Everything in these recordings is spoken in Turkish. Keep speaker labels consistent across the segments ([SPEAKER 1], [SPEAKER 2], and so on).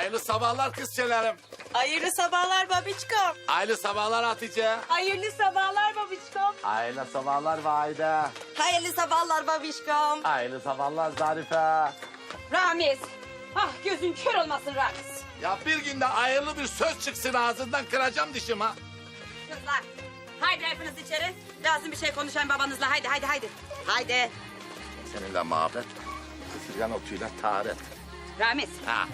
[SPEAKER 1] Hayırlı sabahlar kızçelerim.
[SPEAKER 2] Hayırlı sabahlar babiçkom.
[SPEAKER 1] Hayırlı sabahlar Hatice.
[SPEAKER 2] Hayırlı sabahlar babiçkom.
[SPEAKER 1] Hayırlı sabahlar Vahide.
[SPEAKER 2] Hayırlı sabahlar babişkom.
[SPEAKER 1] Hayırlı sabahlar Zarife.
[SPEAKER 2] Ramiz. Ah gözün kör olmasın Ramiz.
[SPEAKER 1] Ya bir günde hayırlı bir söz çıksın ağzından kıracağım dişim ha.
[SPEAKER 2] Kızlar haydi hepiniz içeri. Lazım bir şey konuşayım babanızla haydi haydi haydi. Haydi.
[SPEAKER 1] Seninle muhabbet, ısırgan otuyla taharet.
[SPEAKER 2] Ramiz
[SPEAKER 1] Ha.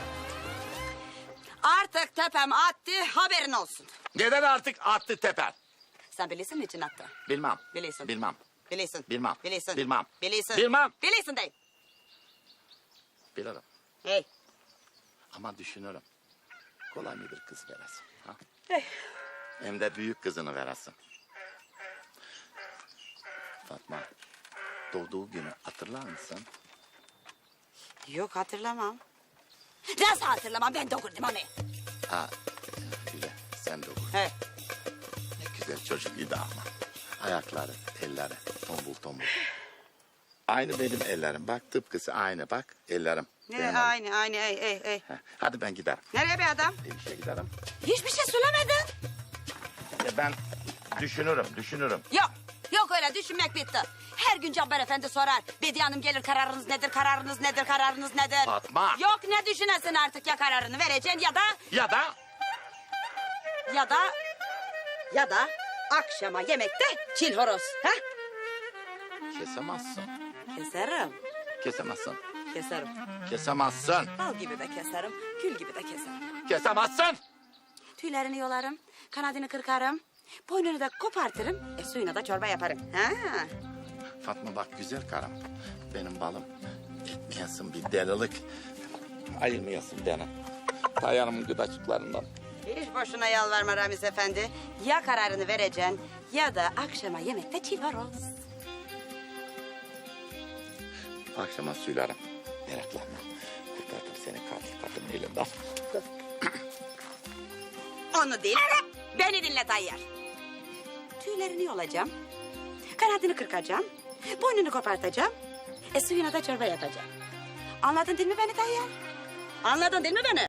[SPEAKER 2] artık tepem attı haberin olsun.
[SPEAKER 1] Neden artık attı teper?
[SPEAKER 2] Sen bilirsin mi için attı?
[SPEAKER 1] Bilmem.
[SPEAKER 2] Bilirsin.
[SPEAKER 1] Bilmem.
[SPEAKER 2] Bilirsin.
[SPEAKER 1] Bilmem.
[SPEAKER 2] Bilirsin.
[SPEAKER 1] Bilmem.
[SPEAKER 2] Bilirsin.
[SPEAKER 1] Bilmem.
[SPEAKER 2] Bilirsin değil.
[SPEAKER 1] Bilirim.
[SPEAKER 2] Hey.
[SPEAKER 1] Ama düşünürüm. Kolay mı bir kız veresin? Ha?
[SPEAKER 2] Hey.
[SPEAKER 1] Hem de büyük kızını veresin. Fatma, doğduğu günü hatırlar mısın?
[SPEAKER 2] Yok hatırlamam. Nasıl hatırlamam ben doğurdum onu.
[SPEAKER 1] Ha, güzel. Sen doğur.
[SPEAKER 2] He.
[SPEAKER 1] Ne güzel çocuk idi ama. Ayakları, elleri tombul tombul. Aynı benim ellerim. Bak tıpkısı aynı bak ellerim. Benim
[SPEAKER 2] Aynı ey.
[SPEAKER 1] Heh, hadi ben giderim.
[SPEAKER 2] Nereye be adam?
[SPEAKER 1] İşe giderim.
[SPEAKER 2] Hiçbir şey söylemedin.
[SPEAKER 1] Ben düşünürüm.
[SPEAKER 2] Yok öyle düşünmek bitti. Her gün Cabbar Efendi sorar. Bediye Hanım gelir kararınız nedir, kararınız nedir, kararınız nedir?
[SPEAKER 1] Fatma.
[SPEAKER 2] Yok ne düşünesin artık ya kararını vereceksin ya da akşama yemekte çil horoz. Ha?
[SPEAKER 1] Kesemezsin.
[SPEAKER 2] Keserim.
[SPEAKER 1] Kesemezsin.
[SPEAKER 2] Bal gibi de keserim, gül gibi de keserim.
[SPEAKER 1] Kesemezsin.
[SPEAKER 2] Tüylerini yolarım, kanadını kırkarım. Boynunu da kopartırım, suyuna da çorba yaparım. Ha?
[SPEAKER 1] Fatma bak güzel karım. Benim balım. Etmeyesin bir delilik. Ayırmayasın beni. Dayanımın gıdacıklarından.
[SPEAKER 2] Hiç boşuna yalvarma Ramiz Efendi. Ya kararını vereceksin ya da akşama yemekte çil horoz.
[SPEAKER 1] Akşama söylerim. Meraklanma. Kurtardım seni kadın elinden.
[SPEAKER 2] Onu değil, beni dinle Tayyar. Tüylerini yolacağım, kanadını kırkacağım, boynunu kopartacağım, suyuna da çorba yapacağım. Anladın değil mi beni Tayyar? Anladın değil mi beni?